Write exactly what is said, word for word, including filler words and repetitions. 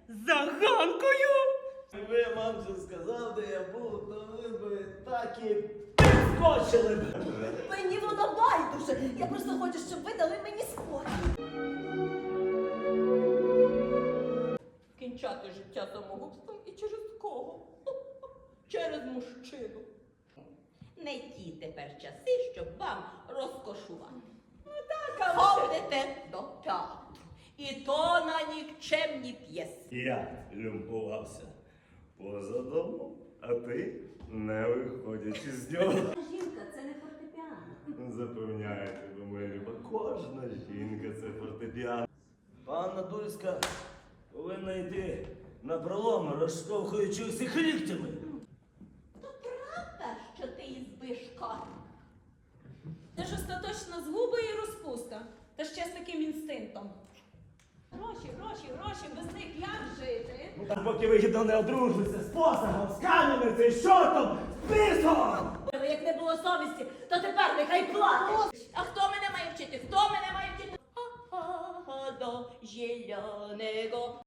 За Ганкою? Якби вам вже сказав, де я був, то ви б так і підскочили б. Мені воно байдуже. Я просто хочу, щоб ви дали мені спокій. Кінчати життя самогубством і через кого? Через мужчину. Не ті тепер часи, щоб вам розкошувати. Ну так, а ходите до театру. І то на нікчемні п'єси. Я люмпувався поза домом, а ти не виходячи з нього. Жінка, це не фортепіано. Запевняю тебе, моя люба, кожна жінка це фортепіано. Панна Дульська повинна йти на пролом, розштовхуючи усіх ліктями. То правда, що ти ізбишка? Це ж остаточна згуба і розпуста. Та ще з таким інстинктом. Гроші, гроші, гроші, без них як жити? Поки вигідно не одружуйся з посагом, з кам'яницею, з чортом, з писом! Як не було совісті, то тепер нехай платить. А хто мене має вчити? Хто мене має вчити? Ха-ха-ха, до зеленого